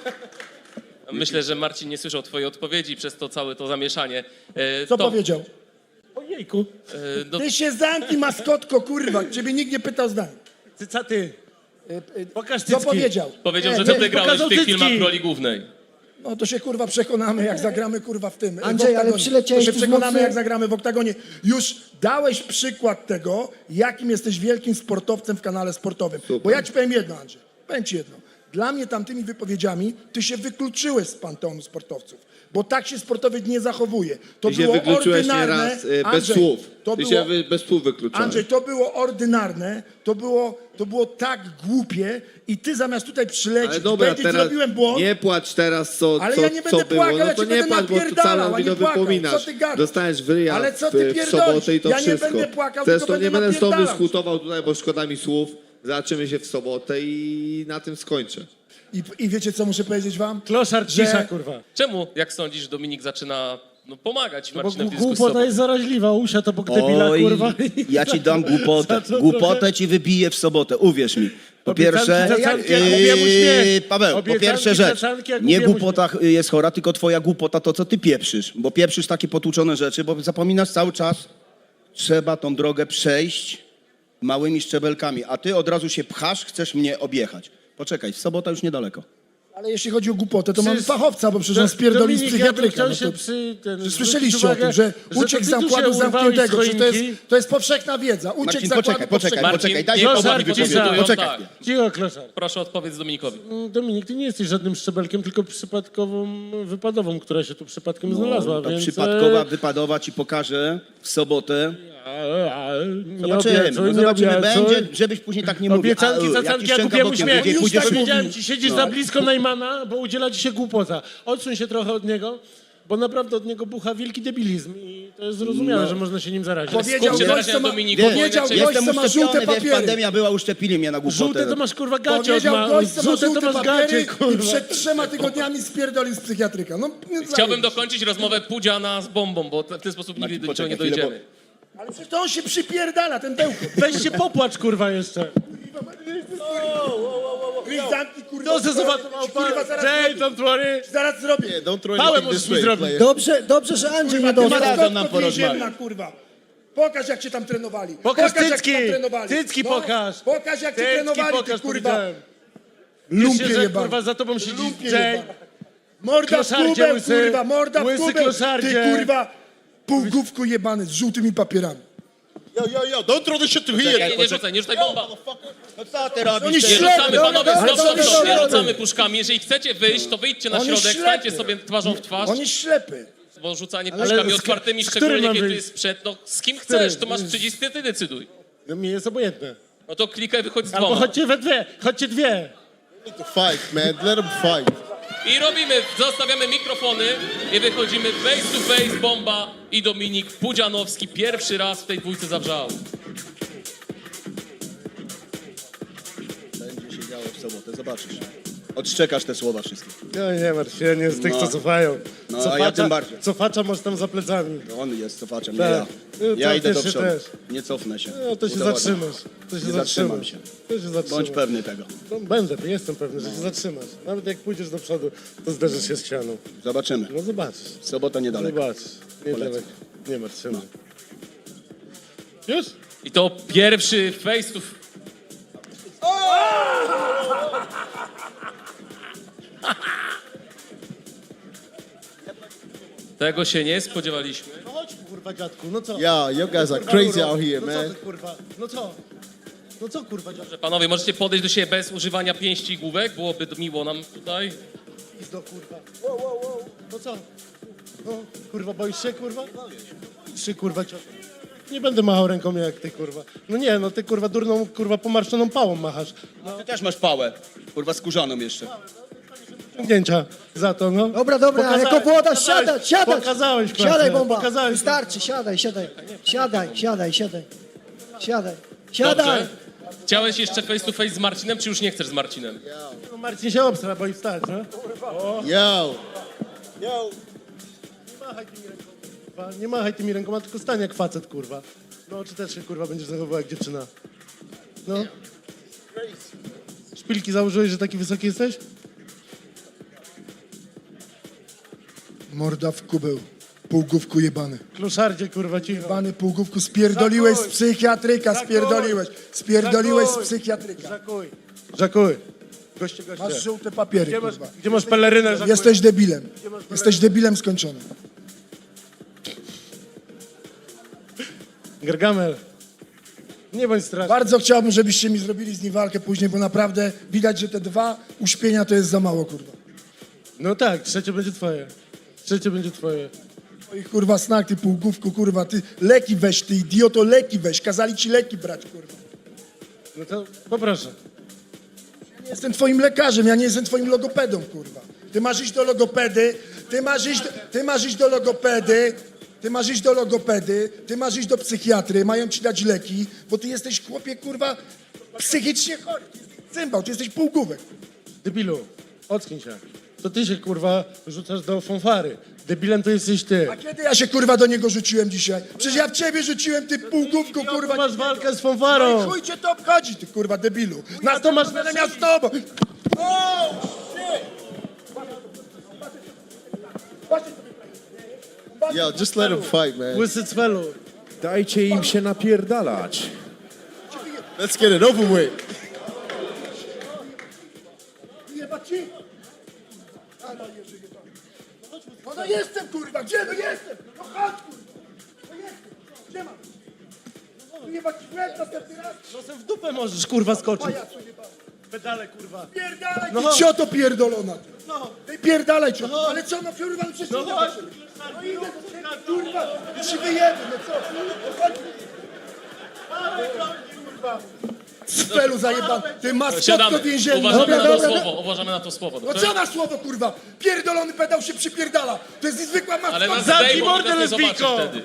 Speaker 1: Myślę, że Marcin nie słyszał twojej odpowiedzi przez to całe to zamieszanie. E,
Speaker 3: Co
Speaker 1: to,
Speaker 3: powiedział?
Speaker 2: Ojejku.
Speaker 1: e, no,
Speaker 3: Ty się zamknij, maskotko, kurwa. Ciebie nikt nie pytał zdań.
Speaker 2: Ty, co ty? Pokaż
Speaker 3: Co
Speaker 2: cycki.
Speaker 3: powiedział?
Speaker 1: powiedział,
Speaker 3: Nie,
Speaker 1: że
Speaker 3: nie,
Speaker 1: ty wygrałeś w
Speaker 2: pokazał
Speaker 1: tych
Speaker 2: cycki.
Speaker 1: filmach w roli głównej.
Speaker 3: No to się kurwa przekonamy, jak zagramy kurwa w tym.
Speaker 9: Andrzej,
Speaker 3: w oktagonie.
Speaker 9: ale przyleciałeś
Speaker 3: To się
Speaker 9: tu z
Speaker 3: przekonamy,
Speaker 9: mocy-
Speaker 3: jak zagramy w oktagonie. Już dałeś przykład tego, jakim jesteś wielkim sportowcem w kanale sportowym. Bo ja ci powiem jedno, Andrzej. Powiem ci jedno. Dla mnie tamtymi wypowiedziami ty się wykluczyłeś z panteonu sportowców. Bo tak się sportowiec nie zachowuje. To
Speaker 4: Ty się
Speaker 3: było
Speaker 4: wykluczyłeś
Speaker 3: ordynarne.
Speaker 4: nieraz y, bez
Speaker 3: Andrzej,
Speaker 4: słów.
Speaker 3: To
Speaker 4: Ty
Speaker 3: było,
Speaker 4: się wy, bez słów wykluczałeś.
Speaker 3: Andrzej, to było ordynarne, to było, to było tak głupie i ty zamiast tutaj przylecieć,
Speaker 4: Ale dobra,
Speaker 3: powiedzieć,
Speaker 4: teraz
Speaker 3: zrobiłem błąd,
Speaker 4: nie płacz teraz, co,
Speaker 3: ale
Speaker 4: co,
Speaker 3: ja nie
Speaker 4: co
Speaker 3: będę
Speaker 4: było.
Speaker 3: płakał,
Speaker 4: No
Speaker 3: ja
Speaker 4: to
Speaker 3: ci
Speaker 4: nie
Speaker 3: będę
Speaker 4: płacz, bo tu
Speaker 3: napierdalał,
Speaker 4: całą
Speaker 3: a nie
Speaker 4: winę
Speaker 3: płakał.
Speaker 4: wypominasz.
Speaker 3: Co ty gadasz?
Speaker 4: Dostajesz w ryja
Speaker 3: Ale co
Speaker 4: w,
Speaker 3: ty
Speaker 4: w
Speaker 3: pierdolisz?
Speaker 4: sobotę i to
Speaker 3: Ja nie
Speaker 4: wszystko.
Speaker 3: będę płakał, tylko
Speaker 4: Zresztą
Speaker 3: będę
Speaker 4: nie będę z tobą
Speaker 3: napierdalał.
Speaker 4: dyskutował tutaj, bo szkoda mi słów. Zobaczymy się w sobotę i na tym skończę.
Speaker 3: I, I wiecie, co muszę powiedzieć wam?
Speaker 2: Kloszar
Speaker 3: Że-
Speaker 2: cisza, kurwa.
Speaker 1: Czemu, jak sądzisz, Dominik zaczyna no, pomagać
Speaker 2: Bo
Speaker 1: Marcinowi w
Speaker 2: gu-
Speaker 1: dyskusji?
Speaker 2: głupota jest zaraźliwa, usia to bok debila,
Speaker 8: Oj,
Speaker 2: kurwa.
Speaker 8: ja ci dam głupotę.
Speaker 2: Za co
Speaker 8: Głupotę
Speaker 2: trochę-
Speaker 8: ci wybiję w sobotę, uwierz mi. Po
Speaker 2: Obiecanki,
Speaker 8: pierwsze,
Speaker 2: zacanki, jak lubię mu śmiech.
Speaker 8: Paweł, po
Speaker 2: Obiecanki,
Speaker 8: pierwsze rzecz,
Speaker 2: zacanki, jak
Speaker 8: nie
Speaker 2: lubię mu
Speaker 8: głupota jest chora, tylko twoja głupota to, co ty pieprzysz. Bo pieprzysz takie potłuczone rzeczy, bo zapominasz cały czas, trzeba tą drogę przejść małymi szczebelkami, a ty od razu się pchasz, chcesz mnie objechać. Poczekaj, w sobota już niedaleko.
Speaker 3: Ale jeśli chodzi o głupotę, to mamy
Speaker 2: Przecież-
Speaker 3: fachowca, bo przecież on spierdolił z
Speaker 2: Dominik, ja bym
Speaker 3: psychiatryka.
Speaker 2: chciał
Speaker 3: No
Speaker 2: się
Speaker 3: to,
Speaker 2: przy, ten,
Speaker 3: że
Speaker 2: zwrócić
Speaker 3: słyszeliście
Speaker 2: uwagę,
Speaker 3: o tym, że
Speaker 2: to
Speaker 3: uciekł
Speaker 2: ty
Speaker 3: z
Speaker 2: tu się
Speaker 3: zakładu
Speaker 2: urwałeś
Speaker 3: zamkniętego.
Speaker 2: z
Speaker 3: Przecież to jest,
Speaker 2: choinki.
Speaker 3: to jest powszechna wiedza. Uciekł
Speaker 8: Marcin,
Speaker 3: z zakładu
Speaker 8: poczekaj, poczekaj,
Speaker 3: powszechnego.
Speaker 8: poczekaj,
Speaker 1: Marcin,
Speaker 8: daj
Speaker 1: nie
Speaker 8: mi
Speaker 1: poważnie
Speaker 8: opowiedzieć.
Speaker 1: dyskutują,
Speaker 8: Poczekaj
Speaker 1: tak.
Speaker 8: chwilę.
Speaker 2: Cicho, kloszar.
Speaker 1: Proszę odpowiedz Dominikowi.
Speaker 2: Mm, Dominik, ty nie jesteś żadnym szczebelkiem, tylko przypadkową wypadową, która się tu przypadkiem znalazła,
Speaker 8: To
Speaker 2: więc...
Speaker 8: przypadkowa,
Speaker 2: e,
Speaker 8: wypadowa ci pokażę w sobotę.
Speaker 2: a, a, nie
Speaker 8: Zobaczymy,
Speaker 2: obiecuj,
Speaker 8: no
Speaker 2: nie
Speaker 8: zobaczymy,
Speaker 2: obiecuj.
Speaker 8: będzie, żebyś później tak nie mówił.
Speaker 2: Obiecanki,
Speaker 8: A,
Speaker 2: zacanki,
Speaker 8: jakiś
Speaker 2: jak
Speaker 8: szczęka
Speaker 2: kupiłem
Speaker 8: bokiem,
Speaker 2: uśmiech.
Speaker 8: gdzie
Speaker 3: Już
Speaker 8: pójdziesz
Speaker 3: tak
Speaker 8: w-
Speaker 2: Powiedziałem ci, siedzisz
Speaker 8: No.
Speaker 2: za blisko Najmana, bo udziela ci się głupota. Odsuń się trochę od niego, bo naprawdę od niego bucha wielki debilizm i to jest zrozumiałe,
Speaker 8: No.
Speaker 2: że można się nim zarazić.
Speaker 3: Powiedział
Speaker 1: Skup się
Speaker 3: gość,
Speaker 1: na razie
Speaker 3: co
Speaker 1: na
Speaker 3: ma,
Speaker 1: Dominiku,
Speaker 8: Wiesz,
Speaker 1: bo
Speaker 3: powiedział
Speaker 1: inaczej-
Speaker 3: gość,
Speaker 8: Jestem
Speaker 3: co ma żółte
Speaker 8: uszczepiony, wiesz,
Speaker 3: papiery.
Speaker 8: pandemia była, uszczepili mnie na głupotę.
Speaker 2: Żółte to masz kurwa gacie od
Speaker 3: Powiedział
Speaker 2: ma...
Speaker 3: gość, co ma
Speaker 2: Żółte to
Speaker 3: żółte
Speaker 2: masz
Speaker 3: papiery
Speaker 2: gacie,
Speaker 3: i
Speaker 2: kurwa.
Speaker 3: przed trzema tygodniami spierdolił z psychiatryka. No, nie
Speaker 1: Chciałbym
Speaker 3: zajebiście.
Speaker 1: dokończyć rozmowę Pudziana z bombą, bo w ten sposób nigdy do niczego nie
Speaker 8: poczekaj chwilę,
Speaker 1: dojdziemy.
Speaker 3: Ale przecież to on się przypierdala, ten bełkot.
Speaker 2: Weź się popłacz, kurwa, jeszcze.
Speaker 3: Chris, zamknij, kurwa.
Speaker 2: To se zobaczył
Speaker 3: Kurwa, zaraz
Speaker 2: Jay,
Speaker 3: zrobię.
Speaker 2: don't worry.
Speaker 3: Zaraz zrobię.
Speaker 6: Yeah, don't throw
Speaker 2: Pałę
Speaker 6: anything
Speaker 2: możesz
Speaker 6: this
Speaker 2: mi
Speaker 6: way,
Speaker 2: zrobić.
Speaker 6: player.
Speaker 9: Dobrze, dobrze, że Andrzej nie
Speaker 3: Kurwa, ty
Speaker 9: dostał.
Speaker 3: maskotko
Speaker 8: nam porozmawiać.
Speaker 3: więzienna, kurwa. Pokaż, jak cię tam trenowali.
Speaker 2: Pokaż
Speaker 3: jak
Speaker 2: cycki.
Speaker 3: cię tam trenowali.
Speaker 2: Cycki
Speaker 3: No,
Speaker 2: pokaż.
Speaker 3: Pokaż, jak cię
Speaker 2: Cycki
Speaker 3: trenowali, ty
Speaker 2: pokaż,
Speaker 3: kurwa.
Speaker 2: powiedziałem.
Speaker 3: Lumpie
Speaker 2: Wiesz, że
Speaker 3: jebany.
Speaker 2: kurwa za tobą siedzi
Speaker 3: Lumpie
Speaker 2: Jay.
Speaker 3: jebany. Morda w
Speaker 2: Kloszardzie
Speaker 3: kubeł,
Speaker 2: łysy.
Speaker 3: kurwa, morda w
Speaker 2: Łysy
Speaker 3: kubeł.
Speaker 2: kloszardzie.
Speaker 3: Ty kurwa, półgłówku jebany z żółtymi papierami.
Speaker 6: Yo, yo, yo, don't throw this shit to
Speaker 1: Nie,
Speaker 6: here.
Speaker 1: nie, nie rzucaj, nie rzucaj bomba.
Speaker 8: No co ty robisz?
Speaker 3: Oni
Speaker 1: Nie
Speaker 3: ślepy,
Speaker 1: rzucamy,
Speaker 3: no,
Speaker 1: panowie,
Speaker 3: no,
Speaker 1: stop,
Speaker 3: ale
Speaker 1: stop,
Speaker 3: on jest
Speaker 1: stop, nie
Speaker 3: ślepy.
Speaker 1: rzucamy puszkami. Jeżeli chcecie wyjść, to wyjdźcie na
Speaker 3: On jest
Speaker 1: środek,
Speaker 3: ślepy.
Speaker 1: stańcie sobie twarzą w twarz,
Speaker 3: On jest ślepy.
Speaker 1: bo rzucanie
Speaker 2: Ale
Speaker 1: puszkami
Speaker 2: z-
Speaker 1: otwartymi,
Speaker 2: z którym
Speaker 1: szczególnie
Speaker 2: mam
Speaker 1: kiedy
Speaker 2: wyjść?
Speaker 1: jest sprzęt, no z kim
Speaker 2: którym?
Speaker 1: chcesz, to masz przycisk, ty, ty decyduj.
Speaker 2: No mi jest obojętne.
Speaker 1: No to klikaj, wychodź z
Speaker 2: Albo
Speaker 1: dwoma.
Speaker 2: chodźcie we dwie, chodźcie dwie.
Speaker 6: To fight, man. Let them fight.
Speaker 1: I robimy, zostawiamy mikrofony i wychodzimy face to face, Bomba i Dominik Pudzianowski. Pierwszy raz w tej dwójce zawrzał.
Speaker 8: Będzie się działo w sobotę, zobaczysz. Odszczekasz te słowa wszystkie.
Speaker 2: No nie martw się, nie z tych,
Speaker 8: No.
Speaker 2: co cofają.
Speaker 8: No, a
Speaker 2: Cofacza,
Speaker 8: ja tym bardziej.
Speaker 2: Cofacza masz tam za plecami.
Speaker 8: To on jest cofaczem, nie
Speaker 2: Tak.
Speaker 8: ja.
Speaker 2: No,
Speaker 8: Ja
Speaker 2: to
Speaker 8: idę do
Speaker 2: też się
Speaker 8: przodu.
Speaker 2: też.
Speaker 8: Nie cofnę się.
Speaker 2: No to się
Speaker 8: Udowodnię.
Speaker 2: zatrzymasz. To się
Speaker 8: Nie zatrzymam
Speaker 2: zatrzymasz.
Speaker 8: się.
Speaker 2: To się zatrzymasz.
Speaker 8: Bądź pewny tego.
Speaker 2: No, będę, jestem pewny, że się zatrzymasz. Nawet jak pójdziesz do przodu, to zderzysz się z ścianą.
Speaker 8: Zobaczymy.
Speaker 2: No zobaczysz.
Speaker 8: Sobota niedaleko.
Speaker 2: Zobaczysz. Nie
Speaker 8: Polecam.
Speaker 2: daleko. Nie martw się. Już?
Speaker 1: I to pierwszy face to Tego się nie spodziewaliśmy.
Speaker 2: No chodź kurwa dziadku, no co?
Speaker 6: Yo, you guys are
Speaker 2: Kurwa,
Speaker 6: crazy
Speaker 2: Euro.
Speaker 6: out here,
Speaker 2: No co
Speaker 6: man.
Speaker 2: ty kurwa? No co? No co kurwa dziadku?
Speaker 1: Że panowie, możecie podejść do siebie bez używania pięści i główek, byłoby miło nam tutaj.
Speaker 2: Pizdo kurwa. Wow, wow, wow. No co? No kurwa, boisz się kurwa? Boisz się kurwa ciotko. Nie będę machał ręką jak ty kurwa. No nie, no ty kurwa durną kurwa pomarszczoną pałą machasz.
Speaker 8: Ty też masz pałę. Kurwa skórzaną jeszcze.
Speaker 2: Ciągnięcia za to, no.
Speaker 9: Dobra, dobra, ale
Speaker 2: Pokazałeś,
Speaker 9: jako włodarz,
Speaker 2: pokazałeś,
Speaker 9: siadać, siadać.
Speaker 2: Pokazałeś klasę,
Speaker 9: Siadaj, bomba.
Speaker 2: Pokazałeś.
Speaker 9: Wystarczy, siadaj, siadaj. Siadaj, siadaj, siadaj. Siadaj. Siadaj.
Speaker 1: Dobrze. Chciałeś jeszcze face to face z Marcinem, czy już nie chcesz z Marcinem?
Speaker 2: No, Marcin się obstra, boi wstać, no.
Speaker 6: Yo.
Speaker 2: Nie machaj tymi rękoma, kurwa. Nie machaj tymi rękoma, tylko stań jak facet, kurwa. No, czy też się, kurwa, będziesz zachowywał jak dziewczyna. No. Szpilki założyłeś, że taki wysoki jesteś?
Speaker 3: Morda w kubeł. Półgłówku jebany.
Speaker 2: Kloszardzie, kurwa, cicho.
Speaker 3: Jebany półgłówku, spierdoliłeś z
Speaker 2: Zakuj.
Speaker 3: psychiatryka,
Speaker 2: Zakuj.
Speaker 3: spierdoliłeś. Spierdoliłeś z
Speaker 2: Zakuj.
Speaker 3: psychiatryka.
Speaker 2: Żakuj. Żakuj. Goście, goście.
Speaker 3: Masz żółte papiery,
Speaker 2: Gdzie masz,
Speaker 3: kurwa.
Speaker 2: gdzie masz pelerynę, Żakuj?
Speaker 3: Jesteś debilem. Jesteś debilem skończonym.
Speaker 2: Gargamel. Nie bądź straszny.
Speaker 3: Bardzo chciałbym, żebyście mi zrobili z nim walkę później, bo naprawdę widać, że te dwa uśpienia to jest za mało, kurwa.
Speaker 2: No tak, trzecie będzie twoje. Trzecie będzie twoje.
Speaker 3: Oj, kurwa, snak, ty półgłówku, kurwa, ty leki weź, ty idioto, leki weź. Kazali ci leki brać, kurwa.
Speaker 2: No to poproszę.
Speaker 3: Ja nie jestem twoim lekarzem, ja nie jestem twoim logopedą, kurwa. Ty masz iść do logopedy, ty masz iść, ty masz iść do logopedy, ty masz iść do logopedy, ty masz iść do psychiatry, mają ci dać leki, bo ty jesteś, chłopie, kurwa, psychicznie chory. Ty jesteś cymbał, ty jesteś półgłówek.
Speaker 2: Debilu, ocknij się. To ty się, kurwa, rzucasz do fanfary. Debilem to jesteś ty.
Speaker 3: A kiedy ja się, kurwa, do niego rzuciłem dzisiaj? Przecież ja w ciebie rzuciłem, ty półgłówku, kurwa.
Speaker 2: Masz walkę z
Speaker 3: No i
Speaker 2: fanfarą.
Speaker 3: chuj cię to obchodzi, ty, kurwa, debilu. Na
Speaker 2: to masz
Speaker 3: będę
Speaker 2: na
Speaker 3: miał z tobą.
Speaker 6: Yo, just let them fight, man.
Speaker 2: Łysy cwelu.
Speaker 5: Dajcie im się napierdalać.
Speaker 6: Let's get it over with.
Speaker 3: Jebać ci. No, no jestem, kurwa, gdzie no jestem? No chodź, kurwa. No jestem. Gdzie mam? No jebać ci w łeb następny raz.
Speaker 2: Nosem w dupę możesz, kurwa, skoczyć.
Speaker 3: Pajacu jebany.
Speaker 2: Pedale, kurwa.
Speaker 3: Pierdalaj,
Speaker 2: No.
Speaker 3: ty cioto pierdolona. ty.
Speaker 2: No.
Speaker 3: Ty pierdalaj, cioto.
Speaker 2: No.
Speaker 3: Ale co, no kurwa, no przecież
Speaker 2: No
Speaker 3: idę
Speaker 2: chodź.
Speaker 3: do ciebie. No idę do ciebie, kurwa. No się wyjemy, no co? No chodź. Kurwa. Sfelu zajebany. Ty maskotko
Speaker 1: Siadamy,
Speaker 3: więzienna.
Speaker 1: uważamy
Speaker 3: Dobra,
Speaker 1: na to
Speaker 3: dobra,
Speaker 1: słowo, uważamy na to słowo.
Speaker 3: No
Speaker 1: Dobrze?
Speaker 3: co na słowo, kurwa? Pierdolony pedał się przypierdala. To jest niezwykła
Speaker 1: Ale nas
Speaker 3: maskotka.
Speaker 2: Zamknij
Speaker 1: zdejmą,
Speaker 2: mordę,
Speaker 1: nas nie zobaczy
Speaker 2: lesbijko!
Speaker 1: wtedy.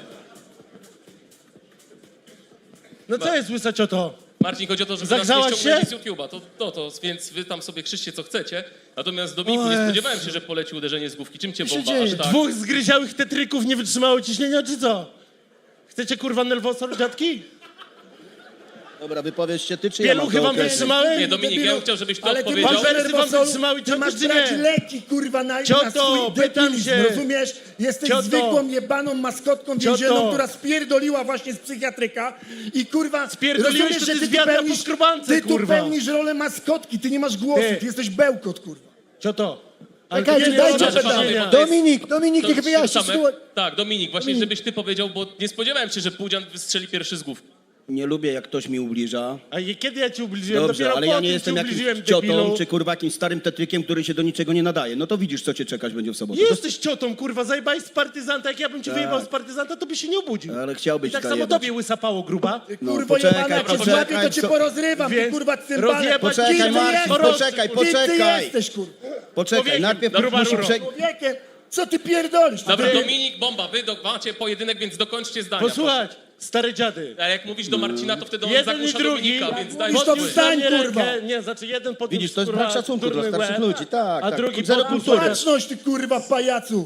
Speaker 2: No co jest, łysa cioto?
Speaker 1: Marcin, chodzi o to, żeby nas nie
Speaker 2: Zagrzałaś
Speaker 1: ściągnęli
Speaker 2: się?
Speaker 1: z YouTube'a, to, to, to, więc wy tam sobie krzyczcie co chcecie. Natomiast Dominiku,
Speaker 2: O
Speaker 1: nie
Speaker 2: Jezu.
Speaker 1: spodziewałem się, że poleci uderzenie z główki. Czym cię
Speaker 3: się
Speaker 1: bomba
Speaker 3: dzieje?
Speaker 1: aż tak?
Speaker 2: Dwóch zgryziałych tetryków nie wytrzymało ciśnienia, czy co? Chcecie, kurwa, nerwosor, dziadki?
Speaker 8: Dobra, wypowiedz się ty, czy ja mam
Speaker 2: Pieluchy
Speaker 8: to
Speaker 2: wam
Speaker 8: określić?
Speaker 2: wytrzymałem?
Speaker 1: Nie, Dominik, ja bym chciał, żebyś ty
Speaker 3: Ale ty
Speaker 1: odpowiedział.
Speaker 3: masz
Speaker 2: Wersy wam
Speaker 3: nerwosol,
Speaker 2: wytrzymały
Speaker 3: ty
Speaker 2: cioty,
Speaker 3: masz
Speaker 2: czy
Speaker 3: brać
Speaker 2: nie?
Speaker 3: leki, kurwa, na, na
Speaker 2: Cioto,
Speaker 3: swój
Speaker 2: pytam
Speaker 3: debilizm,
Speaker 2: się.
Speaker 3: rozumiesz? Jesteś
Speaker 2: Cioto.
Speaker 3: zwykłą, jebaną maskotką
Speaker 2: Cioto.
Speaker 3: więzienną, która spierdoliła właśnie z psychiatryka i kurwa,
Speaker 2: Spierdoliłeś,
Speaker 3: rozumiesz,
Speaker 2: to
Speaker 3: że
Speaker 2: ty
Speaker 3: ty
Speaker 2: z
Speaker 3: tu
Speaker 2: wiadra
Speaker 3: pełnisz,
Speaker 2: po skrobance,
Speaker 3: ty tu
Speaker 2: kurwa.
Speaker 3: pełnisz rolę maskotki, ty nie masz głosu,
Speaker 2: Ty.
Speaker 3: ty jesteś bełkot, kurwa.
Speaker 2: Cioto. Ale
Speaker 9: Czekajcie,
Speaker 2: to nie
Speaker 9: dajcie
Speaker 2: robię
Speaker 1: pytanie.
Speaker 2: pytania.
Speaker 1: Do-
Speaker 9: Dominik, Dominik,
Speaker 1: To
Speaker 9: niech
Speaker 1: ci
Speaker 9: wyjaśni
Speaker 1: Przemek-
Speaker 9: sytuację.
Speaker 1: Tak, Dominik, właśnie żebyś ty powiedział, bo nie spodziewałem się, że Pudzian wystrzeli pierwszy z główki.
Speaker 8: Nie lubię, jak ktoś mi ubliża.
Speaker 2: A je- kiedy ja ci ubliżyłem?
Speaker 8: Dobrze,
Speaker 2: Dopiero
Speaker 8: ale
Speaker 2: po
Speaker 8: ja
Speaker 2: tym
Speaker 8: nie
Speaker 2: ci
Speaker 8: jestem
Speaker 2: ubliżyłem,
Speaker 8: jakimś ciotą,
Speaker 2: debilu.
Speaker 8: czy kurwa jakimś starym tetrykiem, który się do niczego nie nadaje. No to widzisz, co cię czekać będzie w sobotę.
Speaker 2: Nie jesteś ciotą, kurwa, zajebałeś z partyzanta. Jak ja bym cię
Speaker 8: Tak.
Speaker 2: wyjebał z partyzanta, to by się nie obudził.
Speaker 8: Ale chciałbyś
Speaker 2: I tak samo
Speaker 8: zajebać.
Speaker 2: tobie łysapało, gruba.
Speaker 8: No,
Speaker 3: Kurwo
Speaker 8: poczekaj,
Speaker 3: jebana, jak cię
Speaker 8: poczekaj,
Speaker 3: złapię, to cię
Speaker 8: co-
Speaker 3: porozrywam, ty
Speaker 2: Więc
Speaker 3: kurwa cymbale.
Speaker 2: rozjebać
Speaker 8: Poczekaj,
Speaker 3: Kim ty
Speaker 8: Marcin,
Speaker 3: jesteś?
Speaker 8: poczekaj,
Speaker 3: Kim ty
Speaker 8: poczekaj.
Speaker 3: jesteś, kurwa?
Speaker 8: Poczekaj,
Speaker 2: Człowiekiem,
Speaker 8: najpierw
Speaker 2: gruba
Speaker 8: musi
Speaker 2: ruro.
Speaker 8: prze...
Speaker 3: Człowiekiem, co ty pierdolisz?
Speaker 1: Dobra,
Speaker 2: Ty-
Speaker 1: Dominik, Bomba, wy do, macie pojedynek, więc dokończcie zdania.
Speaker 2: Posłuchaj, stare dziady.
Speaker 1: A jak mówisz do Marcina, to wtedy on
Speaker 2: Jeden i
Speaker 1: zagłusza
Speaker 2: drugi.
Speaker 1: Dominika, więc daj
Speaker 3: mówisz, to
Speaker 1: spokój.
Speaker 3: wstań,
Speaker 2: Podniósł
Speaker 3: kurwa.
Speaker 2: rękę. Nie, znaczy jeden podniósł,
Speaker 8: Widzisz, to jest
Speaker 2: kurwa,
Speaker 8: brak szacunku dla
Speaker 2: durny
Speaker 8: starszych
Speaker 2: łeb,
Speaker 8: ludzi, tak,
Speaker 2: A
Speaker 8: tak.
Speaker 2: drugi
Speaker 8: Zero
Speaker 2: podniósł
Speaker 8: kultury.
Speaker 3: Baczność, ty kurwa pajacu.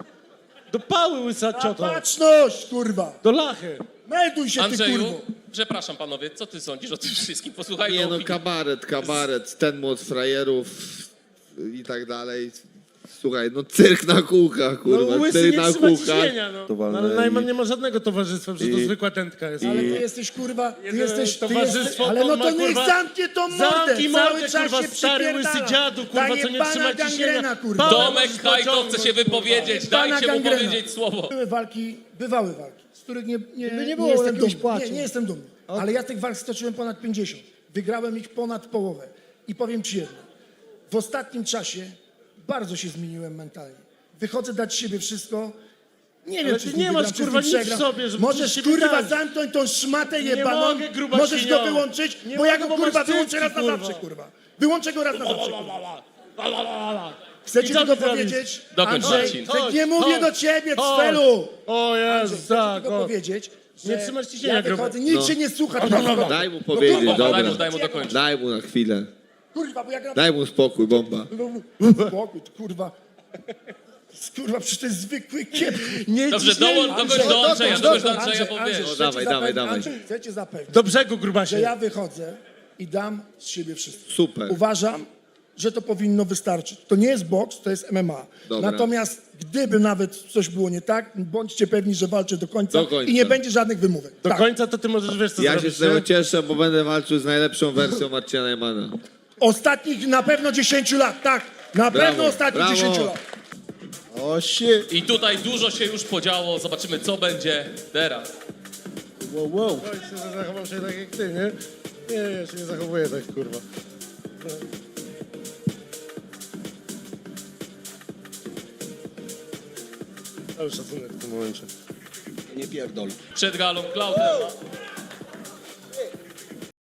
Speaker 2: do pały łysa cioto.
Speaker 3: Baczność, kurwa.
Speaker 2: Do lachy.
Speaker 3: Melduj się, ty
Speaker 1: Andrzeju,
Speaker 3: kurwo.
Speaker 1: przepraszam panowie, co ty sądzisz o tym wszystkim? Posłuchaj
Speaker 4: Nie no,
Speaker 1: opinii.
Speaker 4: kabaret, kabaret, ten młot frajerów i tak dalej. Słuchaj, no cyrk na kółkach, kurwa,
Speaker 2: No łysy
Speaker 4: cyrk
Speaker 2: nie
Speaker 4: na
Speaker 2: trzyma
Speaker 4: kółkach.
Speaker 2: ciśnienia, no. No, ale Najman nie ma żadnego towarzystwa, przecież to zwykła tętka jest.
Speaker 3: Ale ty jesteś kurwa, ty
Speaker 2: Jedyne
Speaker 3: jesteś, ty
Speaker 2: towarzystwo,
Speaker 3: jesteś,
Speaker 2: to
Speaker 3: ale no
Speaker 2: on ma,
Speaker 3: to niech
Speaker 2: kurwa,
Speaker 3: zamknie tą mordę,
Speaker 2: Zamknij
Speaker 3: cały
Speaker 2: mordę,
Speaker 3: czas
Speaker 2: kurwa,
Speaker 3: się
Speaker 2: stary łysy
Speaker 3: przypierdala.
Speaker 2: dziadu, kurwa,
Speaker 3: Ta
Speaker 2: co nie
Speaker 3: jebana
Speaker 2: trzyma ciśnienia.
Speaker 3: gangrena, kurwa.
Speaker 2: Pa-
Speaker 1: Tomek
Speaker 2: Możesz
Speaker 1: Hajto
Speaker 2: pociągnąć,
Speaker 1: chce się wypowiedzieć,
Speaker 3: Pana
Speaker 1: dajcie mu
Speaker 3: gangrena.
Speaker 1: powiedzieć słowo.
Speaker 3: Były walki, bywały walki, z których nie, nie,
Speaker 9: By nie
Speaker 3: nie,
Speaker 9: było
Speaker 3: jestem
Speaker 9: jakiegoś
Speaker 3: dumny.
Speaker 9: płaczu.
Speaker 3: Nie, nie jestem dumny. Ale ja tych walk stoczyłem ponad pięćdziesiąt. Wygrałem ich ponad połowę. I powiem ci jedno. W ostatnim czasie bardzo się zmieniłem mentalnie. Wychodzę dać siebie wszystko. Nie wiem,
Speaker 2: Ale
Speaker 3: czy
Speaker 2: ty
Speaker 3: z nim
Speaker 2: nie masz,
Speaker 3: wygram, czy z
Speaker 2: kurwa,
Speaker 3: nim
Speaker 2: nic w
Speaker 3: przegram.
Speaker 2: sobie, żeby
Speaker 3: Możesz,
Speaker 2: siebie
Speaker 3: kurwa,
Speaker 2: dać.
Speaker 3: zamknąć tą szmatę
Speaker 2: Nie
Speaker 3: jebaną.
Speaker 2: mogę, gruba
Speaker 3: Możesz
Speaker 2: świnio.
Speaker 3: go wyłączyć,
Speaker 2: Nie
Speaker 3: bo ja
Speaker 2: mogę,
Speaker 3: go,
Speaker 2: bo
Speaker 3: kurwa,
Speaker 2: masz
Speaker 3: wyłączę
Speaker 2: cycki,
Speaker 3: raz na
Speaker 2: kurwa.
Speaker 3: zawsze, kurwa. Wyłączę go raz na zawsze, kurwa. Chcę
Speaker 2: I
Speaker 3: ci
Speaker 2: co
Speaker 3: tylko
Speaker 2: ty robisz?
Speaker 3: powiedzieć,
Speaker 1: Dokończ,
Speaker 3: Andrzej,
Speaker 1: Marcin.
Speaker 3: że
Speaker 2: Chodź,
Speaker 3: nie mówię
Speaker 2: chodź,
Speaker 3: do ciebie,
Speaker 2: chodź.
Speaker 3: Cfelu.
Speaker 2: O Jezu,
Speaker 3: Chcę
Speaker 2: tak,
Speaker 3: tylko
Speaker 2: o.
Speaker 3: powiedzieć, że
Speaker 2: Nie trzymasz ciśnienia,
Speaker 3: ja
Speaker 2: gruby.
Speaker 3: wychodzę, nikt
Speaker 4: No.
Speaker 3: się nie słucha. kurwa.
Speaker 4: Daj mu powiedzieć,
Speaker 3: kurwa,
Speaker 1: Bomba, daj
Speaker 4: dobra.
Speaker 1: mu, daj mu dokończyć.
Speaker 4: Daj mu na chwilę.
Speaker 3: Kurwa, bo ja gram...
Speaker 4: Daj mu spokój, bomba.
Speaker 3: Spokój, ty, kurwa. Kurwa, przecież to jest zwykły kiep.
Speaker 2: Nie
Speaker 1: Dobrze,
Speaker 2: ciśnienie.
Speaker 1: dołącz, dokończ do Andrzeja, dokończ do Andrzeja, bo
Speaker 3: Andrzej,
Speaker 1: wiesz.
Speaker 3: chcę
Speaker 4: dawaj,
Speaker 3: ci
Speaker 4: dawaj,
Speaker 3: zapewnić-
Speaker 4: dawaj.
Speaker 3: Andrzej, chcę cię zapewnić,
Speaker 2: Do brzegu,
Speaker 3: że
Speaker 2: grubasie.
Speaker 3: ja wychodzę i dam z siebie wszystko.
Speaker 4: Super.
Speaker 3: Uważam, że to powinno wystarczyć. To nie jest boks, to jest M M A.
Speaker 4: Dobra.
Speaker 3: Natomiast gdyby nawet coś było nie tak, bądźcie pewni, że walczę do końca,
Speaker 4: Do końca.
Speaker 3: i nie będzie żadnych wymówek.
Speaker 2: Do
Speaker 3: Tak.
Speaker 2: końca to ty możesz, wiesz co
Speaker 4: Ja się
Speaker 2: zrobić,
Speaker 4: z tego
Speaker 2: nie?
Speaker 4: cieszę, bo będę walczył z najlepszą wersją Marcina Najmana.
Speaker 3: Ostatnich na pewno dziesięć lat, tak. Na
Speaker 4: Brawo,
Speaker 3: pewno ostatnich
Speaker 4: brawo.
Speaker 3: dziesięć lat.
Speaker 6: Oh shit.
Speaker 1: I tutaj dużo się już podziało, zobaczymy co będzie teraz.
Speaker 2: Wow, wow. Zachował się tak jak ty, nie? Nie, ja się nie zachowuję tak, kurwa. Cały szacunek w tym momencie.
Speaker 8: Nie pierdol.
Speaker 1: Przed galą Klaudem.